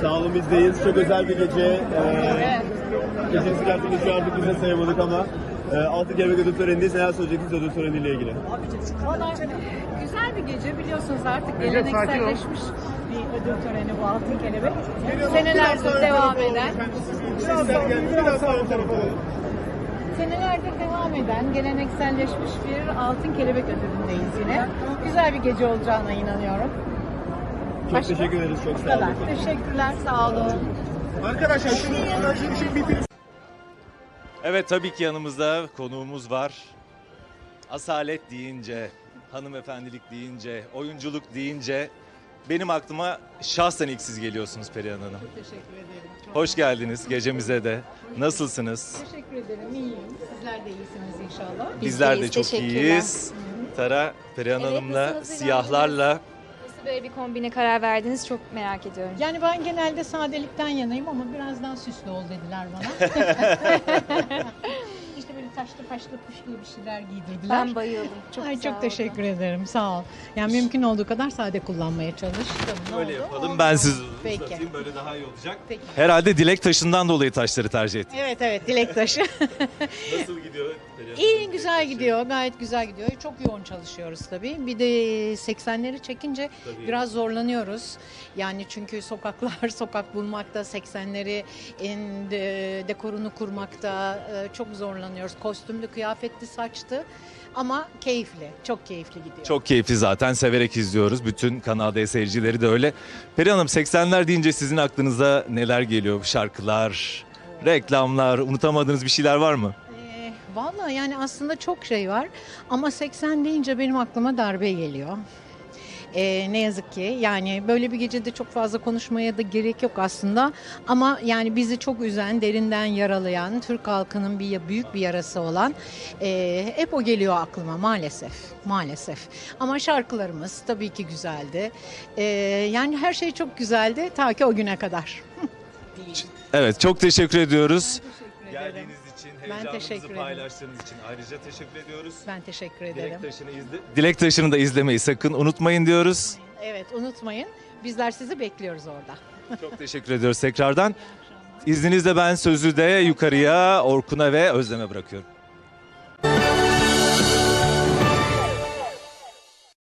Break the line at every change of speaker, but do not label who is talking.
Sağ olun, bizdeyiz. Çok özel bir gece. Gecesi gerçekleşiyor, artık biz de sayamadık ama Altın Kelebek Ödül Töreni'ndeyiz. Neler söyleyeceksiniz ödül töreniyle ilgili?
Valla güzel bir gece, biliyorsunuz artık gelenekselleşmiş bir ödül töreni bu Altın Kelebek. Senelerdir devam eden. Senelerdir devam eden gelenekselleşmiş bir Altın Kelebek ödülündeyiz yine. Güzel bir gece olacağına inanıyorum.
Çok teşekkür ederiz. Çok sağ olun.
Teşekkürler, sağ olun.
Arkadaşlar şunu bitir.
Evet, tabii ki yanımızda konuğumuz var. Asalet deyince, hanımefendilik deyince, oyunculuk deyince benim aklıma şahsen ilk siz geliyorsunuz Perihan Hanım.
Çok teşekkür ederim.
Hoş geldiniz gecemize de. Nasılsınız?
Teşekkür ederim, iyiyim. Sizler de iyisiniz inşallah.
Bizler de
deyiz,
çok
teşekkürler.
iyiyiz. Tara, Perihan
Evet,
Hanım'la,
nasılsınız,
siyahlarla.
Nasıl böyle bir kombine karar verdiniz çok merak ediyorum.
Yani ben genelde sadelikten yanayım ama biraz daha süslü ol dediler bana. İşte böyle taşlı paşlı puşlu bir şeyler giydirdiler.
Ben bayıldım. Çok
Ay
sağ
çok
olun.
teşekkür ederim. Sağ ol. Yani mümkün olduğu kadar sade kullanmaya çalıştım. Ne
Böyle
oldu?
yapalım.
Oldu.
Ben sizi
Peki.
uzatayım, böyle daha iyi olacak.
Peki.
Herhalde dilek taşından dolayı taşları tercih ettim.
Evet dilek taşı.
Nasıl gidiyor Perihan
İyi,
Hanım,
güzel
dilek taşı?
gidiyor. Gayet güzel gidiyor. Çok yoğun çalışıyoruz tabii. Bir de 80'leri çekince
Tabii.
biraz zorlanıyoruz. Yani çünkü sokaklar, sokak bulmakta, 80'leri dekorunu kurmakta çok zorlanıyoruz. Kostümlü, kıyafetli, saçtı. Ama keyifli, çok keyifli gidiyor.
Çok keyifli zaten, severek izliyoruz. Bütün Kanal D seyircileri de öyle. Perihan Hanım, 80'ler deyince sizin aklınıza neler geliyor? Şarkılar, reklamlar, unutamadığınız bir şeyler var mı?
Vallahi yani aslında çok şey var ama 80 deyince benim aklıma darbe geliyor. Ne yazık ki yani böyle bir gecede çok fazla konuşmaya da gerek yok aslında ama yani bizi çok üzen, derinden yaralayan, Türk halkının büyük bir yarası olan hep o geliyor aklıma maalesef. Ama şarkılarımız tabii ki güzeldi. Yani her şey çok güzeldi ta ki o güne kadar.
Evet, çok teşekkür ediyoruz.
Teşekkür ederim.
Geldiğiniz için,
Ben
heyecanımızı
teşekkür ederim.
paylaştığınız için ayrıca teşekkür ediyoruz.
Ben teşekkür ederim.
Dilek taşını da izlemeyi sakın unutmayın diyoruz.
Evet, unutmayın. Bizler sizi bekliyoruz orada.
Çok teşekkür ediyoruz tekrardan. İzninizle ben sözü de yukarıya Orkun'a ve Özlem'e bırakıyorum.